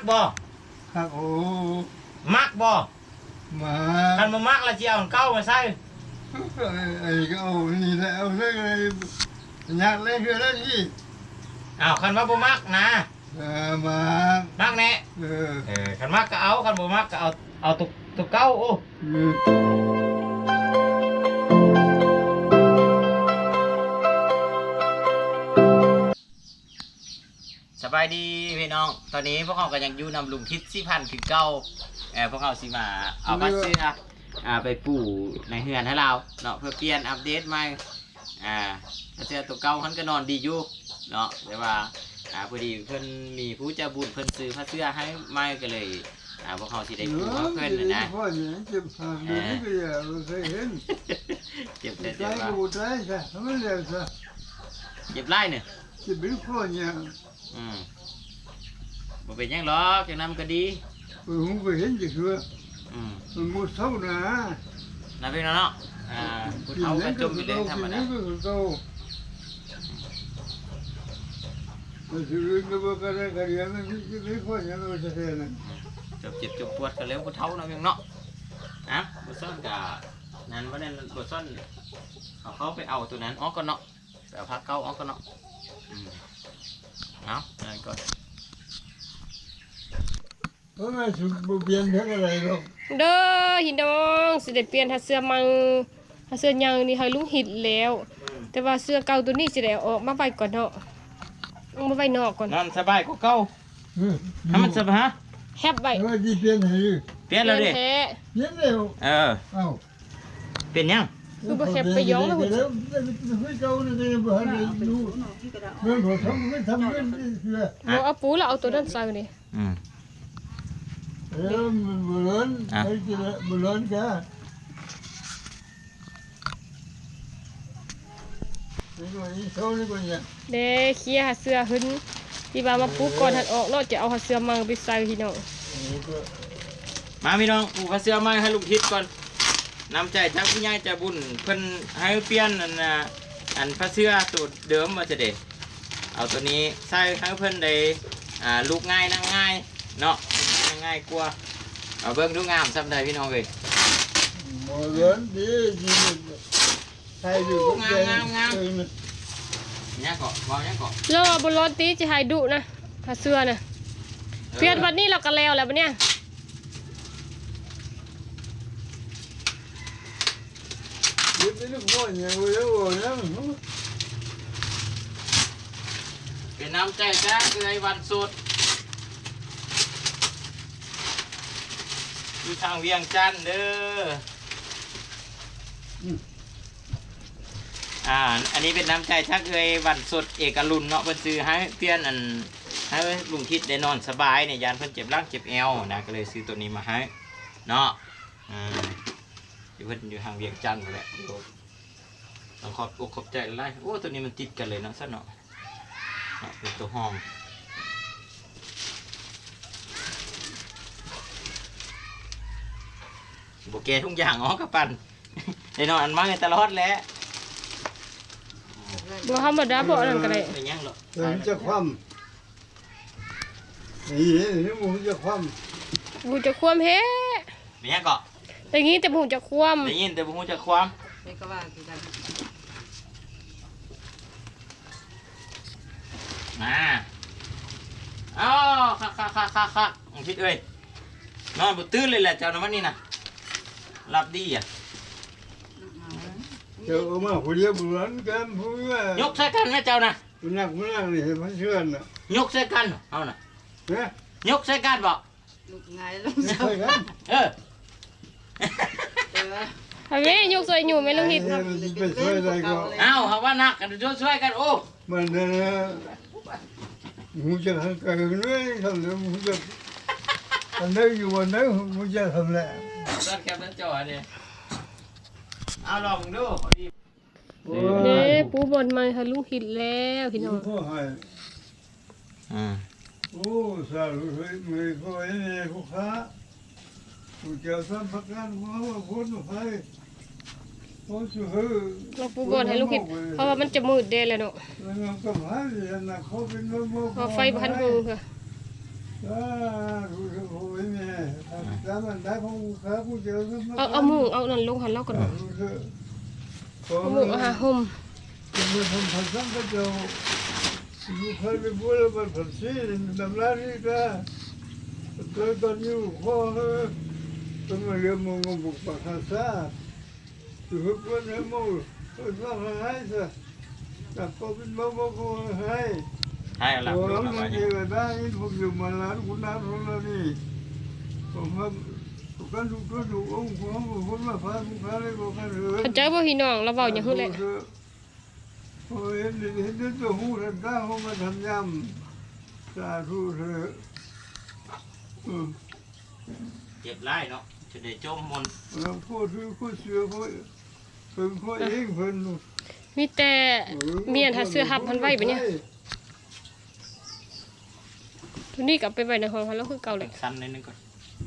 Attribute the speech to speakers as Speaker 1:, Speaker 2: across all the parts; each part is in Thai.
Speaker 1: บ่
Speaker 2: ครับโอ้
Speaker 1: มักบ่
Speaker 2: มา
Speaker 1: คันบ่มักแล้วสิเอาเก้ามาใส่
Speaker 2: ไอ้ก็เอานี่แหละเอาเรื่องอะไรอยากเล่นคือเรื่องนี้
Speaker 1: อ้าวคันว่าบ่มักนะ
Speaker 2: มา
Speaker 1: มักแน่คันมักก็เอาคันบ่มักก็เอาตุกเก้าโอ้สบายดีพี่น้องตอนนี้พวกเขาก็ยังอยู่นำลุงทิศ4,000คือเก้าพวกเขาสิมาเอามาซื้อไปปลูกในเฮือนให้เราเนาะเพื่อเปลี่ยนอัปเดตใหม่เสื้อตัวเก่ามันก็นอนดีอยู่เนาะแต่ว่าพอดีเพิ่นมีผู้ใจบุญเพิ่นซื้อผ้าเสื้อให้ใหม่ก็เลยพวกเขาสิได้ปลูกเพิ่นนะ
Speaker 2: เจ็บขาเดี๋ยวนี้ก็อย่าเราเคยเห็น
Speaker 1: เจ็บแต่
Speaker 2: ใจกูใจใช่ทำไมเร็วซะ
Speaker 1: เจ็บไล่เนี่ย
Speaker 2: เจ็บเป็นคนเนี่ย
Speaker 1: บ่เป็นยังหรอกจังนั้นก็ดี
Speaker 2: ผมก็เห็นจะคือมันมุดเท่านะ
Speaker 1: นะพี่น้องเนาะมุดเท่ากันจมอยู่เลยธรรมดา
Speaker 2: มันจะเรื่องก็บอกอะไรกันอย่างนั้นไม่ค่อยยังเราจะเห็นนะ
Speaker 1: จบเจ็บจบปวดกันแล้วมุดเท่านะพี่น้องบุษซ่อนกับนั้นว่าเนี่ยบุษซ่อนเขาไปเอาตัวนั้นอ๋อก็เนาะแต่พักเก้าอ๋อก็เนาะนั่นก่อน
Speaker 2: เพราะว่าสุดเปลี่ยนเท่าไรหรอก
Speaker 3: เด้อหินดองสิได้เปลี่ยนถ้าเสื้อมังถ้าเสื้อยังนี่ให้ลุงหิดแล้วแต่ว่าเสื้อเก่าตัวนี้สิได้ออกมาไว้ก่อนเนาะเอามาไว้นอกก่อน
Speaker 1: นั่นสบายกว่าเก่าถ้ามันสบาย
Speaker 3: แฮบไว้
Speaker 2: เปลี่ยนให้
Speaker 1: เปลี่ยนแล้วดิ
Speaker 2: เปลี่ยนแล้ว
Speaker 1: เปลี่ยนยัง
Speaker 3: คือบ่แฮบไปย้องแล้วหุ่นบ่เอาปูแล้วเอาตัวนั้นใส่นี่
Speaker 2: มันบุญไอ้ที่บุญกัน
Speaker 3: เด้เคลียร์เสื้อหึนที่ว่ามาปูก่อนหันออกเนาะจะเอาเสื้อมังไปใส่พี่น้อง
Speaker 1: มาพี่น้องปูเสื้อมังให้ลุงทิศก่อนนำใจจากผู้ใหญ่ใจบุญเพิ่นให้เปลี่ยนอันผ้าเสื้อตัวเดิมมาจะเด็ดเอาตัวนี้ใส่ให้เพิ่นได้ลูกง่ายนั่งง่ายเนาะง่ายกว่าเอาเบิ้งดูงามซ้ำใดพี่น้องเลย
Speaker 2: โมเดิร์นดีใส่ดู
Speaker 1: งามเนี่ยเกาะวางเนี่ยเกาะ
Speaker 3: แล้วบนรถตีจะให้ดุนะผ้าเสื้อน่ะเปลี่ยนวันนี้เราก็แล้วบัดเนี่ย
Speaker 1: เป็นน้ำใจแท้คือไอ้วันสุดอยู่ทางเวียงจันทร์เด้ออันนี้เป็นน้ำใจชักเอยวันสดเอกลุนเนาะเพิ่นซื้อให้เพื่อนให้ลุงทิศได้นอนสบายเนี่ยยานเพิ่นเจ็บร่างเจ็บเอวนะก็เลยซื้อตัวนี้มาให้เนาะอยู่เพิ่นอยู่ทางเวียงจันทร์แหละต้องขอบใจไล่โอ้ตัวนี้มันติดกันเลยเนาะซะเนาะเป็นตัวห้องโบเกทุกอย่างอ๋อกระปั่นได้นอนอันมากในตลอดแล้ว
Speaker 3: บ่ธรรมดาบ่นั่นก็ได้
Speaker 1: เป็นยังหรอ
Speaker 2: จะคว่ำนี่หมูจะคว่
Speaker 3: ำบูจะคว่ำเฮ้
Speaker 1: เป็นยังเกาะ
Speaker 3: แต่งี้แต่บูจะคว่ำ
Speaker 1: ได้ยินแต่บูจะคว่ำมาอ้าวค่ะพิดเอ้ยนอนบุตื้นเลยแหละเจ้าน้ำมันนี่นะรับดีอ่ะ
Speaker 2: เจ้ามาผู้เดียวบุญกันผู้ว่
Speaker 1: ายกใส่กันนะเจ้านะ
Speaker 2: มันนักนี่เห็นมันเชื่อนะ
Speaker 1: ยกใส่กันเอาน่ะยกใส่กันบอก
Speaker 2: ไงลูกใส่กัน
Speaker 3: ทำไมยกใส่อยู่ไม่ต้องหิด
Speaker 1: เอาเขาว่านักกันช่วยกันโอ้
Speaker 2: มันหูจะทำกันเลยทำเลยหูจะอันนี้อยู่วันนี้หูจะทำแหละ
Speaker 1: รถแคปนั่นจอเนี่ยเอาลองดู
Speaker 3: เด้ปูบอลมาให้ลุงหิดแล้วพี่น้อง
Speaker 2: โอ้สาธุไม่ค่อยเนี่ยผู้ค้าผู้เจ้าสัมผัสกันว่าคนไทย
Speaker 3: เราปูบอลให้ลุงหิดเพราะว่ามันจะมืดเด้แล้วเนาะพอไฟพันหูค่ะ
Speaker 2: มันได้ของลูกค้าผู้เจอซื้อมา
Speaker 3: เอามุ้งเอานั่นลงหันเล่าก่อนเอามุ้งเอาหาห่ม
Speaker 2: มันทำผัดซ้ำก็จะลูกค้าไปพูดแล้วมันผัดซีดำร้านนี่ก็ตอนอยู่ข้อต้องมาเรียนมงบุกปากคาซาอยู่กับคนให้มงก็ต้องให้ซะแต่พอเป็นมงก็ให้
Speaker 1: ให้เอาหลับ
Speaker 2: โอ้
Speaker 1: ลูก
Speaker 2: ย
Speaker 1: เอา
Speaker 2: มั
Speaker 1: ไว้
Speaker 2: น
Speaker 1: นี่
Speaker 2: เยอะได้ผมอยู่มาล้านคุณน้าของเรานี่ผมว่ากันทุกคนทุกองค์ผมมาพาลูกค้าเลยบอกกันเลย
Speaker 3: เข้าใจบ่พี่น้องเราเว้าหยังฮึแหละ
Speaker 2: โอ้ยเห็นตัวหูทันตาเขามาทำยำสาธุเถอะ
Speaker 1: เจ็บไล่เนาะจะได้จมมนต์
Speaker 2: เราพูดคือพูดเสือพูดเพิ่งพูดเองเพิ่น
Speaker 3: มีแต่เมียนหาเสื้อหับพันไว้บัดเนี่ยตัวนี้กลับไปไว้ในห้องหันแล้วคือเก่าเลย
Speaker 1: สั้นนิดนึงก่อน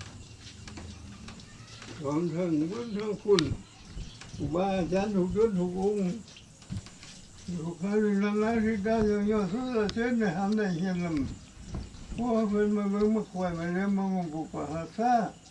Speaker 2: ของท่านคุณอุบาอาจารย์ถูกยศถูกองค์ถูกใครเป็นล้านที่ได้ยังยอดสุดเส้นในหำได้เห็นลำเพราะเพิ่นมาเบิ่งมาควายมาเลี้ยงมางงปุกปะหาซา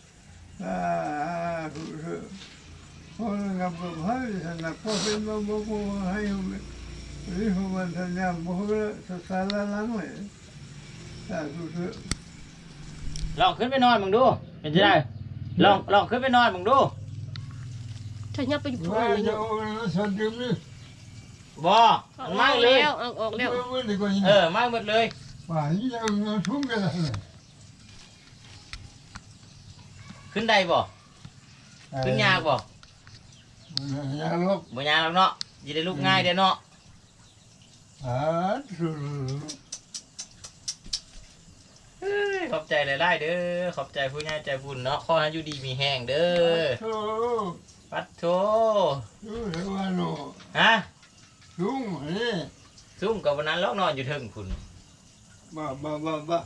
Speaker 2: ถูกเถอะพอเรากับให้ท่านพอเป็นมาบอกให้หรือของมันท่านยามบอกว่าสารล้างเลยถูกเถอะ
Speaker 1: ลองขึ้นไปนอนมึงดูเป็นจะได้ลองขึ้นไปนอนมึงดู
Speaker 3: ถ้ายับไปอยู่พุ่น
Speaker 2: ว่า
Speaker 3: เลย
Speaker 2: จะ
Speaker 3: เนาะ
Speaker 2: เอาสันตินี่
Speaker 1: บ่
Speaker 3: เอา
Speaker 1: มัน
Speaker 3: อ
Speaker 1: มา
Speaker 3: อก
Speaker 1: เลย
Speaker 3: แล้วเอาออกแล้ว
Speaker 1: มาหมดเลย
Speaker 2: ว่าอย่างทุ่งกันเลย
Speaker 1: ขึ้นได้บ่ขึ้นยากบ่
Speaker 2: ยากลูก
Speaker 1: บ่ยากหรอกเนาะจะได้ลุกง่ายเด้อเนาะ
Speaker 2: สุด
Speaker 1: เอ้ยขอบใจหลายๆเด้อขอบใจผู้ใหญ่ใจบุญเนาะขอให้อยู่ดีมีแห้งเด้อ
Speaker 2: โอ้
Speaker 1: ปัดโถ
Speaker 2: ดูเดี๋ยวว่าโน่
Speaker 1: ฮะ
Speaker 2: ลุงนี่
Speaker 1: ซุ่มกับวันนั้นแล้วนอนอยู่เทิงคุณ
Speaker 2: บ้า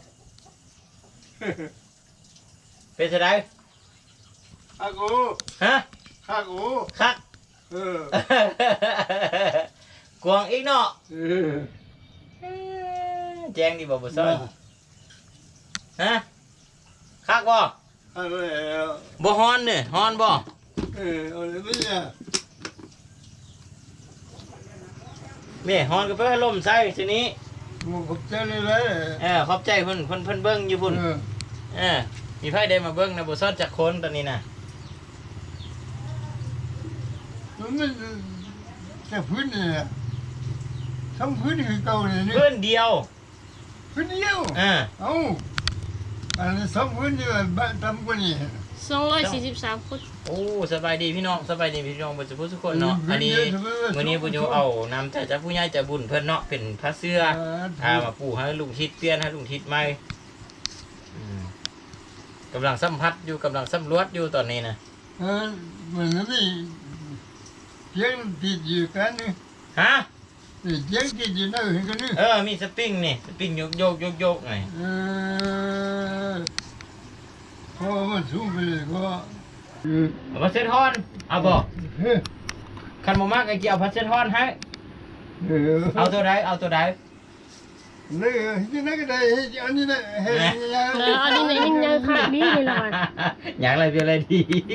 Speaker 1: เป็นจะได้
Speaker 2: ข้ากู
Speaker 1: ฮะ
Speaker 2: ข้ากู
Speaker 1: คัก กวางอีกเนาะแจ้งดีบ่บ่ซ้อนฮะคักบ่
Speaker 2: อะไร
Speaker 1: บ่ฮอนเนี่ยฮอนบ่
Speaker 2: อะไรเนี่ย
Speaker 1: แม่ฮอนก็เพิ่นลมใส่ทีนี้
Speaker 2: มึงขอบใจเลย
Speaker 1: ขอบใจเพิ่นเบิ่งอยู่พุ่นมีไผได้มาเบิ่งนะบ่ซ้อนจักคนตอนนี้น่ะ
Speaker 2: มันไม่แค่พื้นเนี่ยทั้งพื้นคือเก่าเลยนี่
Speaker 1: เพิ่นเดียว
Speaker 2: พื้นเดียว
Speaker 1: เออ
Speaker 2: เอ้าอันนี้สองพื้นเดียวบ้านทำกว่านี้
Speaker 3: 243คน
Speaker 1: โอ้สบายดีพี่น้องสบายดีพี่น้องบ่ทุกคนเนาะอันนี้มื้อนี้ผู้อยู่เอานำจากผู้ใหญ่ใจบุญเพิ่นเนาะเป็นพระเสื้อมาปลูกให้ลุงทิศเปลี่ยนให้ลุงทิศใหม่กำลังสัมผัสอยู่กำลังสำรวจอยู่ตอนนี้นะ
Speaker 2: เหมือนนี่เสียงติดอยู่กันนี่
Speaker 1: ฮะ
Speaker 2: เสียงติดอยู่นั่นเห็นกันนี่
Speaker 1: มีสปริงนี่สปริงโยกไง
Speaker 2: พอมันสูงไปเลยก็
Speaker 1: เอาพัสเซทอนเอาบ่คันบ่มากไอ้เกี่ยวพัสเซทอนให้เอาตัวใด
Speaker 2: นี่ที่นั่นก็ได้อันนี้นะเฮ้ย
Speaker 3: อันนี้นี่มันยังขาดดีเลยล่ะ
Speaker 1: อย่างไรเป็นอะไรดี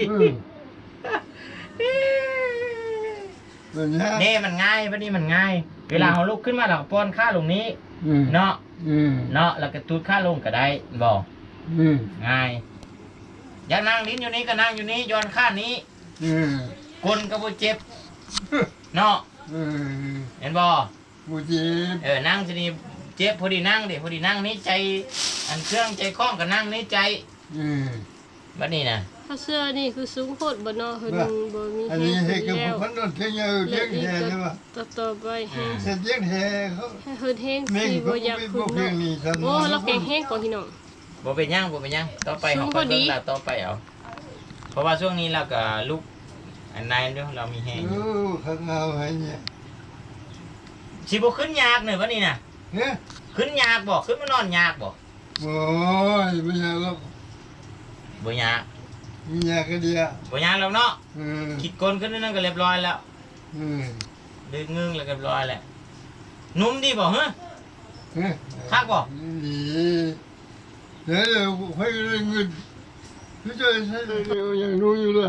Speaker 1: นี่มันง่ายวันนี้มันง่ายเวลาเราลุกขึ้นมาเราป้อนข้าลงนี้เนาะแล้วก็ตูดข้าลงก็ได้บอกง่ายอยากนั่งลิ้นอยู่นี้ก็นั่งอยู่นี้ย้อนข้านี้กลก็บ่เจ็บเนาะเห็นบ่
Speaker 2: บ่เจ็บ
Speaker 1: นั่งจะนี่เจ็บพอดีนั่งดิพอดีนั่งนี้ใจอันเครื่องใจคล้องก็นั่งนี้ใจบัดนี้นะ
Speaker 3: ถ้าเสื้อนี่คือสูงโคตรบ่เนาะเพิ่นบ่มี
Speaker 2: อันนี้ให้กับคนนั้นเที่ยวเที่ยวแห่ใช่ป่ะ
Speaker 3: ต่อไปให้
Speaker 2: เที่ยวแห่เขา
Speaker 3: เฮิดแห้งสิบ่อยากขึ้นเนาะโอ้เราแข็งแห้งก่อนพี่น้อง
Speaker 1: บ่เป็นยังต่อไปเขาค่อยเบิ่งแล้วต่อไปเอาเพราะว่าช่วงนี้เราก็ลุกอันนายเด้อเรามีแห้ง
Speaker 2: ข้างเอาให้เนี่ย
Speaker 1: สิบ่ขึ้นยากเนี่ยวันนี้น่ะ
Speaker 2: เฮ้ย
Speaker 1: ขึ้นยากบ่ขึ้นมานอนยากบ่
Speaker 2: โอ้ยไม่ยากหรอก
Speaker 1: บ่ยาก
Speaker 2: ไม่ยากก็ดีอ่ะ
Speaker 1: บ่ยากแล้วเนาะคิดกลขึ้นนั่นก็เรียบร้อยแล้วดึงงึงแล้วก็เรียบร้อยแล้วนุ่มดีบ่ฮะคักบ่
Speaker 2: ดีเดี๋ยวค่อยเงินไม่ใช่ใช่ยังรู้อยู่เลย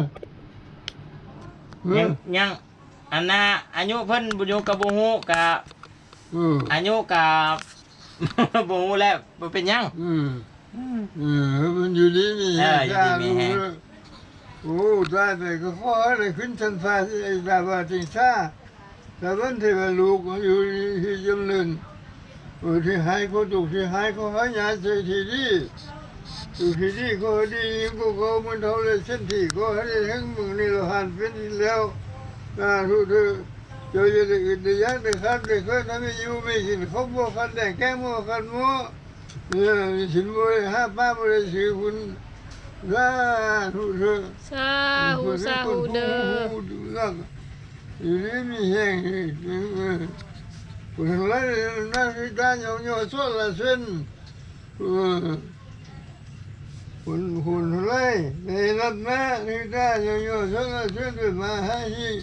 Speaker 1: ยังอันน่ะอายุเพิ่นบ่อยู่กับบ่ฮู้กับ อายุกับ บ่ฮู้แล้วบ่เป็นหยัง
Speaker 2: มันอยู่ดีมี
Speaker 1: อยู่ดีมีแฮง
Speaker 2: โอ้ตายไปก็ขออะไรขึ้นชั้นฟ้าที่ไอ้ดาวจิงชาแต่วันที่ว่าลูกอยู่ที่จำเนินที่หายก็ถูกที่หายก็หายาเสียทีดีอยู่ที่ดีก็ดีก็มันเท่าไรเส้นที่ก็ให้ทั้งมึงนี่เราหันเป็นแล้วทุกเธอเจอจะอื่นจะยักจะคัดจะเคยทำให้อยู่ไม่กินเขาบอกคันแดงแก้มบอกคันมัวเนี่ยสินบริห้าป้าบริสือคุณทุกเธอ
Speaker 3: สาธุเด้อ
Speaker 2: อยู่นี่มีแห้งคนละนั่นคือการยองยอส่วนละเส้นคนละในนัดนะคือการยองยอส่วนละเส้นด้วยมาให้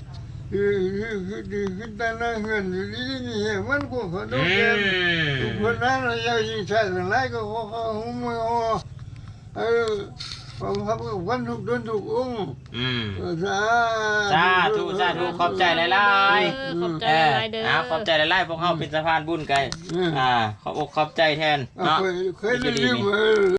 Speaker 2: คือตาหน้าเงินอยู่นี่มีแห้งมันก็ขนมแก้มทุกคนนั้นเรายังยิงใส่กันไรก็เขาหุ้มมือผมครับวันทุกเดือนทุกองค์สาธุ
Speaker 1: ขอบใจหลายๆ
Speaker 3: ขอบใจหลายๆเด้อ
Speaker 1: ขอบใจหลายๆพวกเฮาเป็นสะพานบุญกันขอบอกขอบใจแทนเนาะ
Speaker 2: เคยได้ยิน